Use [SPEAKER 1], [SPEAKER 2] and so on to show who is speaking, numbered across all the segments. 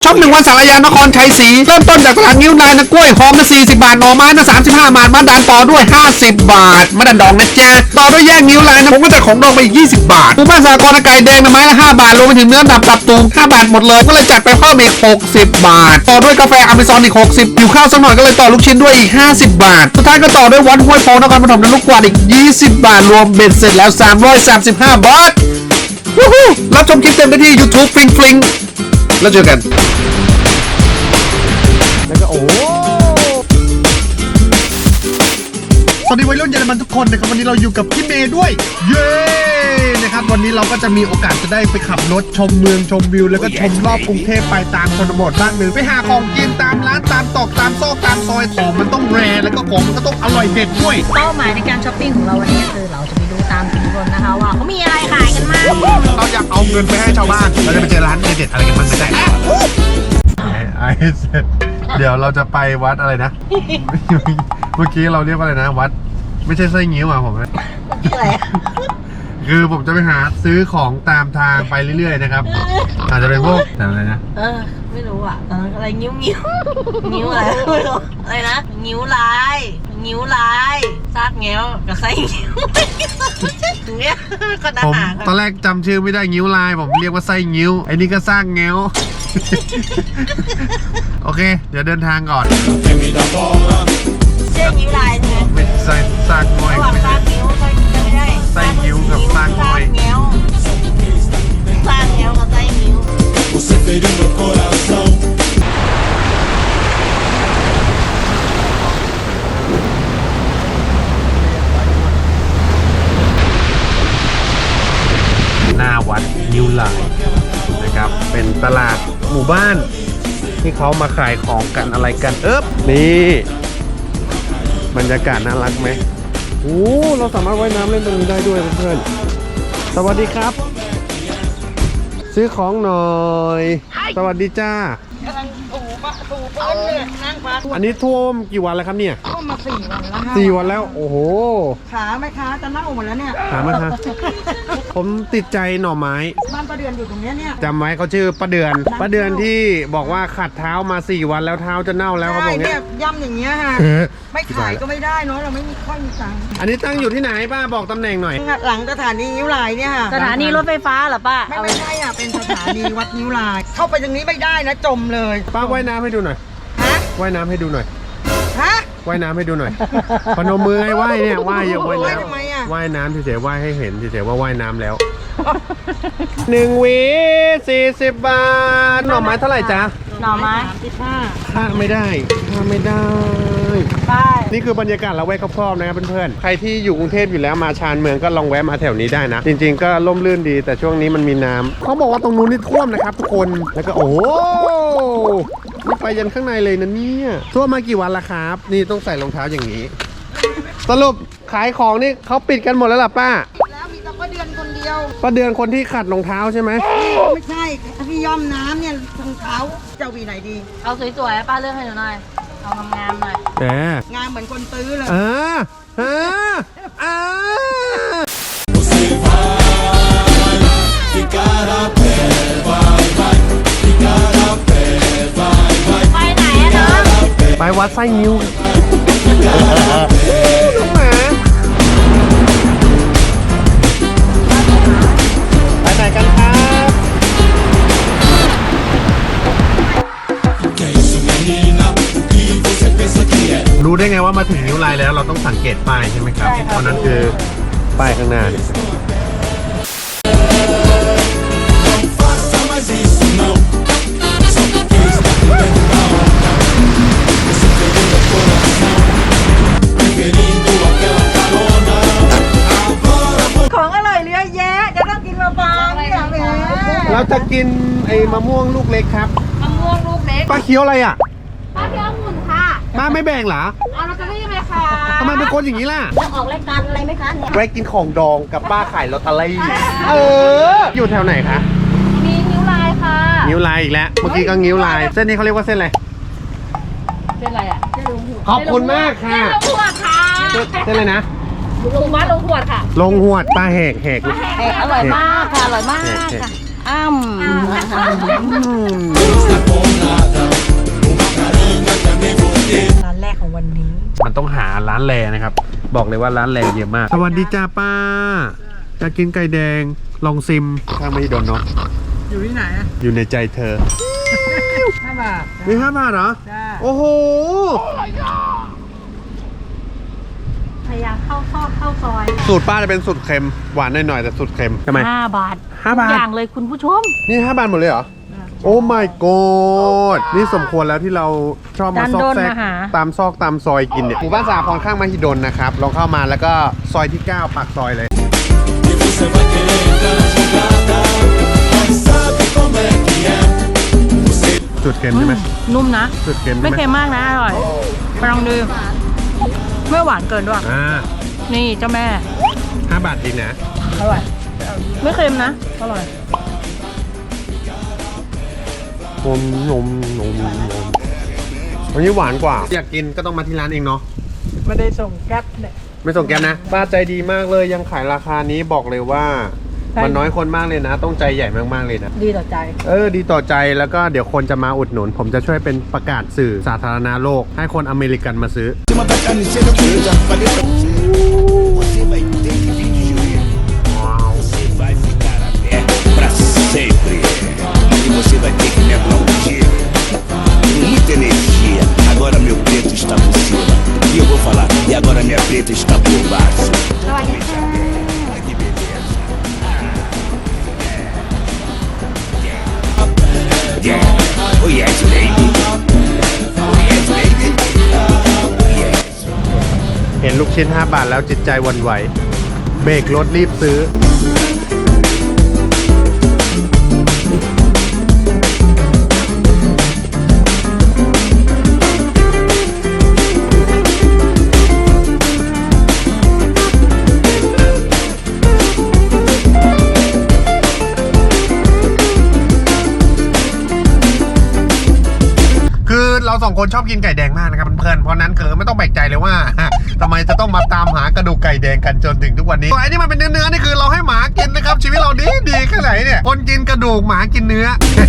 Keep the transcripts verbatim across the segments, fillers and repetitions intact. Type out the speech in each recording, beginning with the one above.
[SPEAKER 1] ช็อปหนึ่งวันสารยานครชัยศรีเริ่มต้นจากตลาดนิ้วนายนะกล้วยหอมนะสี่สิบบาทหน่อไม้นะสามสิบห้าบาทมะดันต่อด้วยห้าสิบบาทมะดันดองนะจ๊ะต่อด้วยแยกนิ้วลายนะผมก็จะของดองไปอีกยี่สิบบาทหมู่บ้านสากรณ์ไก่แดงนะไม้ละห้าบาทรวมไปถึงเนื้อดับตับตูงห้าบาทหมดเลยก็เลยจัดไปเพิ่มอีกหกสิบบาทต่อด้วยกาแฟอเมซอนอีกหกสิบอยู่ข้าวสักหน่อยก็เลยต่อลูกชิ้นด้วยอีกห้าสิบบาทสุดท้ายก็ต่อด้วยวัดห้วยโพนครปฐมนะลูกกวาดอีกยี่สิบบาทรวมเบ็ดเสร็จแล้วสามร้อยสามสิบห้าบาทวู้ฮู้รับชมคลิปเต็มได้ที่ YouTube ฟลิงฟลิงแล้วเจอกันแล้วก็โอ้สวัสดีวัยรุ่นเยอรมันทุกคนนะครับวันนี้เราอยู่กับพี่เมย์ด้วยเย้นะครับวันนี้เราก็จะมีโอกาสจะได้ไปขับรถชมเมืองชมวิวแล้วก็ชมรอบกรุงเทพไปตามชนบทบ้างหนึ่งไปหาของกินตามร้านตามตอกตามซอกตามซอยของมันต้องแรแล้วก็ของมันก็ต้องอร่อยเด็ดด้วย
[SPEAKER 2] เป้าหมายในการช้อปปิ้งของเราวันนี้คือเราจะไปดูตามชุมชนนะคะว่าเขามีอะไรขายกันมาก
[SPEAKER 1] เราอยากเอาเงินไปให้ชาวบ้านเราจะไปเจอร้านเด็ดๆอะไรกันบ้างไม่ได้ไอ้เสร็จเดี๋ยวเราจะไปวัดอะไรนะเมื่อกี้เราเรียกว่าอะไรนะวัดไม่ใช่ไส้งิ้วอ่ะผม
[SPEAKER 2] อะไร
[SPEAKER 1] คือผมจะไปหาซื้อของตามทางไปเรื่อยๆนะครับอาจจะเป็นพวกแต่อะไรนะ
[SPEAKER 2] เออไม่รู้อ่ะตอนนั้นอะไรงิ้วงิ้วงิ้วอะไรไม่รู้อะไรนะงิ้วลายงิ้วลายซากเงี้ยวกับไส้งิ้วอย่างเงี้ยก็น่า
[SPEAKER 1] ผม
[SPEAKER 2] หา
[SPEAKER 1] ตอนแรกจำชื่อไม่ได้งิ้วลายผมเรียกว่าไส้งิ้วไอ้นี่ก็สร้างเงี้ยวโอเคเดี๋ยวเดินทางก่อน
[SPEAKER 2] เส้นงิ้วลายใช่ไหม
[SPEAKER 1] ไม่ใส่สร้างง่อย
[SPEAKER 2] ระหว่างซากงิ้วก็ไม่ได้
[SPEAKER 1] ไส้งิ้วกับสร้างง่อย
[SPEAKER 2] เงี้ยวซากเงี้ยวกับไส้งิ้ว
[SPEAKER 1] หน้าวัดนิ้วลายนะครับเป็นตลาดหมู่บ้านที่เขามาขายของกันอะไรกันเอ๊บนี่บรรยากาศน่ารักไหมโอ้เราสามารถว่ายน้ำเล่นตรงนี้ได้ด้วยเพื่อนๆสวัสดีครับซื้อของหน่อยสวัสดีจ้าก
[SPEAKER 2] ำลังถูปะถูปะเลยนั่งพัก
[SPEAKER 1] อันนี้ท่วมกี่วันแล้วครับเนี่ย
[SPEAKER 2] ท่วมมาสี่วันแล้ว
[SPEAKER 1] สี่วันแล้วโอ้โห
[SPEAKER 2] ขาไหมคะจะเน่าหมดแล้วเนี่ย
[SPEAKER 1] ขาไหมคะผมติดใจหน่อไม้
[SPEAKER 2] บ้านป้าเดือนอยู่ตรงนี้เนี่ย
[SPEAKER 1] จำไว้เขาชื่อป้าเดือนป้าเดือนที่บอกว่าขัดเท้ามาสี่วันแล้วเท้าจะเน่าแล้วเขาบอกเนี่ย
[SPEAKER 2] ย่ำอย่างเงี้ยฮะไม่ขายก็ไม่ได้เนาะเราไม่มีค่อยมีตังค์
[SPEAKER 1] อันนี้ตั้งอยู่ที่ไหนป้าบอกตำแหน่งหน่อย
[SPEAKER 2] หลังสถานีนิ้วลายเนี่ยค่ะ
[SPEAKER 3] สถานีรถไฟฟ้าเหรอป้า
[SPEAKER 2] ไม่ไม่ใช่อ่ะเป็นสถานีวัดนิ้วลายเข้าไปตรงนี้ไม่ได้นะจมเลย
[SPEAKER 1] ป้าว่ายน้ำให้ดูหน่อย
[SPEAKER 2] ฮะ
[SPEAKER 1] ว่ายน้ำให้ดูหน่อย
[SPEAKER 2] ฮะ
[SPEAKER 1] ว่ายน้ำให้ดูหน่อยพนมมือให้ว่ายเนี่ยว่ายเยอะว่ายน้
[SPEAKER 2] ำ
[SPEAKER 1] ว่ายน้ำเฉยๆว่ายให้เห็นเฉยๆว่าว่ายน้ำแล้วหนึ่งหวีสี่สิบบาทหน่อไม้เท่าไหร่จ๊ะ
[SPEAKER 2] หน่อไม้สิบห้า
[SPEAKER 1] ค่าไม่ได้ค่าไม่ได้
[SPEAKER 2] ป้าย
[SPEAKER 1] นี่คือบรรยากาศละแวกครอบๆนะครับเพื่อนๆใครที่อยู่กรุงเทพอยู่แล้วมาชานเมืองก็ลองแวะมาแถวนี้ได้นะจริงๆก็ร่มรื่นดีแต่ช่วงนี้มันมีน้ำเขาบอกว่าตรงนู้นนี่ท่วมนะครับทุกคนแล้วก็โอ้โหนี่ไปยันข้างในเลยนะเนี่ยท่วมมากี่วันละครับนี่ต้องใส่รองเท้าอย่างนี้สรุปขายของนี่เขาปิดกันหมดแล้วล่ะป้า
[SPEAKER 2] แล้วมีแต่ป้าเดือนคนเดียว
[SPEAKER 1] ป้าเดือนคนที่ขัดรองเท้าใช่ไหม
[SPEAKER 2] ไม่ใช่พี่ย่อมน้ำเนี่ยรองเท้าจะวีไหนดี
[SPEAKER 3] เอาสวยๆป้าเลือกให้หนูหน่อยเอางามๆหน่อย
[SPEAKER 1] แหม
[SPEAKER 2] งามเหมือนคนตื้อเลย
[SPEAKER 1] อ่าอ่าอ่า
[SPEAKER 3] ไปไหนอะเนาะ
[SPEAKER 1] ไปวัดไส้งิ้วน้องหมาไปไหนกันครับรู้ได้ไงว่ามาถึงนิ้วลายแล้วเราต้องสังเกตป้ายใช่ไหมครับเพราะนั้นคือป้ายข้างหน้า
[SPEAKER 2] ของอร่อยเยอะแยะจะต้องกินมาบางเนี่ยแหม
[SPEAKER 1] เราจะกินไอ้มะม่วงลูกเล็กครับ
[SPEAKER 3] มะม่วงลูกเล็ก
[SPEAKER 1] ป้าเคี้ยวอะไรอ่ะ
[SPEAKER 3] ป้าเคี้ยวองุ่นค่ะ
[SPEAKER 1] ป้าไม่แบ่งเหรอ
[SPEAKER 3] เอาเราจะได้ยังไงคะ
[SPEAKER 1] ทำไมเป็นคนอย่างนี้ล่ะ
[SPEAKER 3] จะออกรายการอะไรไหมคะเนี่ย
[SPEAKER 1] แวะกินของดองกับป้าขายลอตเตอรี่เอออยู่แถวไหนคะ
[SPEAKER 3] มีนิ้วลายค่ะ
[SPEAKER 1] นิ้วลายอีกแล้วเมื่อกี้ก็นิ้วลายเส้นนี้เขาเรียกว่าเส้นอะไร
[SPEAKER 3] เส้นอะไรอ่ะเส้นลงหัว
[SPEAKER 1] ขอบคุณมากค่ะ
[SPEAKER 3] เส้นลงหัวค่ะ
[SPEAKER 1] เส้นอะไรนะ
[SPEAKER 3] ลงวัดลงหัวค่ะ
[SPEAKER 1] ลงหัวป้าแหกแหก
[SPEAKER 3] แหกอร่อยมากค่ะอร่อยมากค่ะอ้ำ
[SPEAKER 1] ร้านแลนะครับบอกเลยว่าร้านแลเยอะมากสวัสดีจ้าป้าจะกินไก่แดงลองซิมข้างไม่โดนเนาะ
[SPEAKER 4] อยู่ที่ไหนอ่ะ
[SPEAKER 1] อยู่ในใจเธอ
[SPEAKER 4] ห้าบาท
[SPEAKER 1] มีห้าบาทเหรอ
[SPEAKER 4] จ้า
[SPEAKER 1] โอ้โห
[SPEAKER 2] พยายามเข้าซอกเข้าซอย
[SPEAKER 1] สูตรป้าจะเป็นสูตรเค็มหวานหน่อยๆแต่สูตรเค็มใช่ไหม
[SPEAKER 2] ห้าบาท
[SPEAKER 1] ห้าบาท
[SPEAKER 2] ทุกอย่างเลยคุณผู้ชม
[SPEAKER 1] นี่ห้าบาทหมดเลยเหรอโอ้ my god นี่สมควรแล้วที่เราชอบมาซอกแซกตามซอกตามซอยกินเนี่ยหมู่บ้านสาพรข้างมหิดลนะครับลองเข้ามาแล้วก็ซอยที่เก้าปากซอยเลยจุดเค็มใช่ไหม
[SPEAKER 2] นุ่มนะ
[SPEAKER 1] จุดเค็มใช่
[SPEAKER 2] ไม่
[SPEAKER 1] ไหม
[SPEAKER 2] เค็มมากนะอร่อยไปลองดูไม่หวานเกินด้วย
[SPEAKER 1] อ่า
[SPEAKER 2] นี่เจ้าแม่
[SPEAKER 1] ห้าบาทจริงนะ
[SPEAKER 2] อร่อยไม่เค็มนะอร่อย
[SPEAKER 1] นมนมนมนมวันนี้หวานกว่าอยากกินก็ต้องมาที่ร้านเองเนาะ
[SPEAKER 4] ไม่ได้ส่งแก๊ปเนี่ย
[SPEAKER 1] ไม่ส่งแก๊ปนะป้าใจดีมากเลยยังขายราคานี้บอกเลยว่า
[SPEAKER 4] ใช่
[SPEAKER 1] มันน้อยคนมากเลยนะ ต้องใจใหญ่มากๆเลยนะ
[SPEAKER 4] ดีต่อใจ
[SPEAKER 1] เออดีต่อใจแล้วก็เดี๋ยวคนจะมาอุดหนุน ผมจะช่วยเป็นประกาศสื่อสาธารณะโลก ให้คนอเมริกันมาซื้อ
[SPEAKER 5] cima da camiseta que eu já falei pra você. Você vai ter que vir de joelho. Você vai ficar a pé pra sempre. E você vai ter que me aplaudir. Com muita energia. Agora meu preto está por cima. E eu vou falar. E agora minha preta está por baixo.
[SPEAKER 2] สวัสดีค่ะ
[SPEAKER 5] Que beleza. Yeah. Oh yes, baby. Oh yes, baby. Yes.
[SPEAKER 1] เห็นลูกชิ้นห้าบาทแล้วจิตใจหวันไหว เบรกรถรีบซื้อ คือเราสองคนชอบกินไก่แดงมากนะครับเพื่อนๆเพราะนั้นคือไม่ต้องแปลกใจเลยว่า ทำไมจะต้องมาตามหากระดูกไก่แดงกันจนถึงทุกวันนี้ไอ้นี่มันเป็นเนื้อๆนี่คือเราให้หมากินนะครับ ชีวิตเราดีดีแค่ไหนเนี่ยคนกินกระดูกหมากินเนื้อ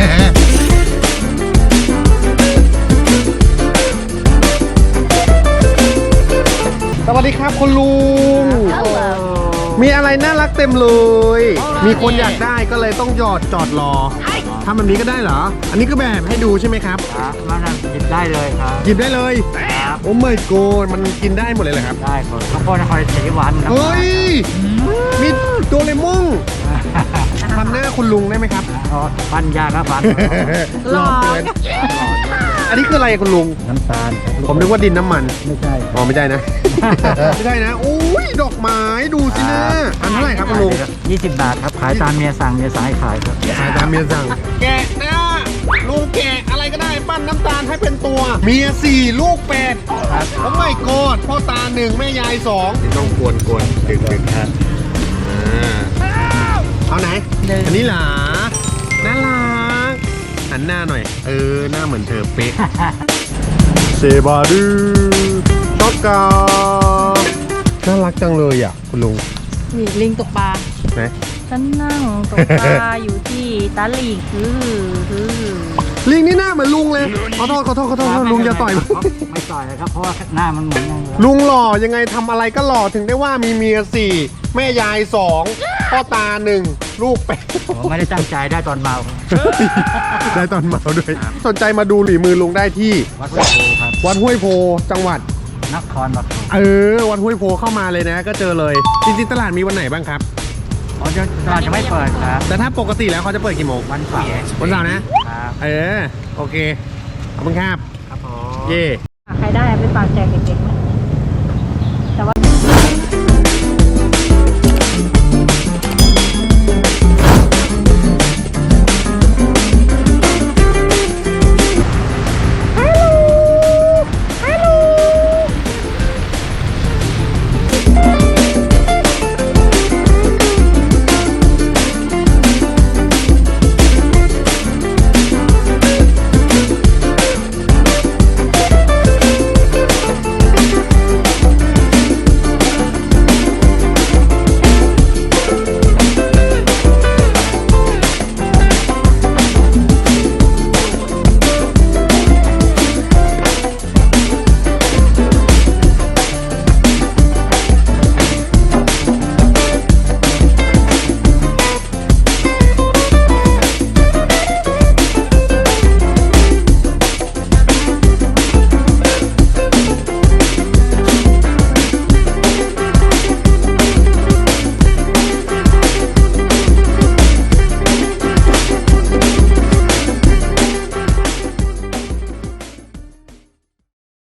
[SPEAKER 1] สวัสดีครับคุณลุง มีอะไรน่ารักเต็มเลย มีคนอยากได้ก็เลยต้องหยอดจอดรอทำแบบนี้ก็ได้เหรอ อันนี้ก็แบบให้ดูใช่ไหมครับ
[SPEAKER 6] ครับมันหยิบได้เลยครับ
[SPEAKER 1] หยิบได้เลย
[SPEAKER 6] ครับ
[SPEAKER 1] โอ้ไม่โกนมันกินได้หมดเลยเหรอครับ
[SPEAKER 6] ได้ครับข้าวโพดนครสีหวานครับ
[SPEAKER 1] เฮ้ย มีโดเรมอนทำหน้าคุณลุงได้ไหมครับ
[SPEAKER 6] อ๋อฟันยากครับฟัน
[SPEAKER 1] หล่อเกินอันนี้คืออะไรคุณลุง
[SPEAKER 6] น้ำตาลครับ
[SPEAKER 1] ผมนึกว่าดินน้ำมัน
[SPEAKER 6] ไม่ใช่
[SPEAKER 1] อ๋อไม่ใช่นะ ไม่ใช่นะโอ้ยดอกไม้ดูสินะอันเท่าไหร่ครับคุณลุง
[SPEAKER 6] ยี่สิบบาทครับ ขายตามเมียสั่งเมียสายขายครับ
[SPEAKER 1] ขายตามเมียสั่งแกะหน้าลุงแกะอะไรก็ได้ปั้นน้ำตาลให้เป็นตัว เมียสี่ลูกแปดโอ้ไม่โกดพ่อตาหนึ่งแม่ยายสองต้องกวนกวนดึงดึงครับเอาไหน อันนี้เหรอน่ารักหันหน้าหน่อย เออหน้าเหมือนเธอเป๊ะ เซบาดูช็อกกาน่ารักจังเลยอ่ะคุณลุง
[SPEAKER 2] นี่ลิงตกปลา
[SPEAKER 1] ไหน
[SPEAKER 2] ฉันนั่งตกปลา อยู่ที่ตาหลีคือคือ
[SPEAKER 1] ลิงนี่หน้าเหมือนลุงเลยขอโทษขอโทษขอโทษลุงอย่าต่อย
[SPEAKER 6] ไม่ต่อยครับ เพราะว่าหน้ามันเหมือนกันเลย
[SPEAKER 1] ลุงหล่อยังไงทำอะไรก็หล่อถึงได้ว่ามีเมียสี่แม่ยายสองพ่อตาหนึ่งลูกแปด
[SPEAKER 6] ผมไม่ได้ตั้งใจได้ตอนเมา
[SPEAKER 1] ได้ตอนเมาด้วย สนใจมาดูหลีมือลุงได้ที่
[SPEAKER 6] วัดห้วยโพครับ
[SPEAKER 1] วัดห้วยโพจังหวัด
[SPEAKER 6] นครปฐม
[SPEAKER 1] เออวัดห้วยโพเข้ามาเลยนะ ก็เจอเลย จริงๆตลาดมีวันไหนบ้างครับ
[SPEAKER 6] อ๋อจะตลาดจะไม่เปิดครับ
[SPEAKER 1] แต่ถ้าปกติแล้วเขาจะเปิดกี่โมง
[SPEAKER 6] วันเสาร์
[SPEAKER 1] วันเสาร์นะ
[SPEAKER 6] ครับ
[SPEAKER 1] เออโอเคขอบคุณครับ
[SPEAKER 6] ครับผม
[SPEAKER 1] เย่
[SPEAKER 2] ใครได้ไปฝากแจกเด็กๆไหม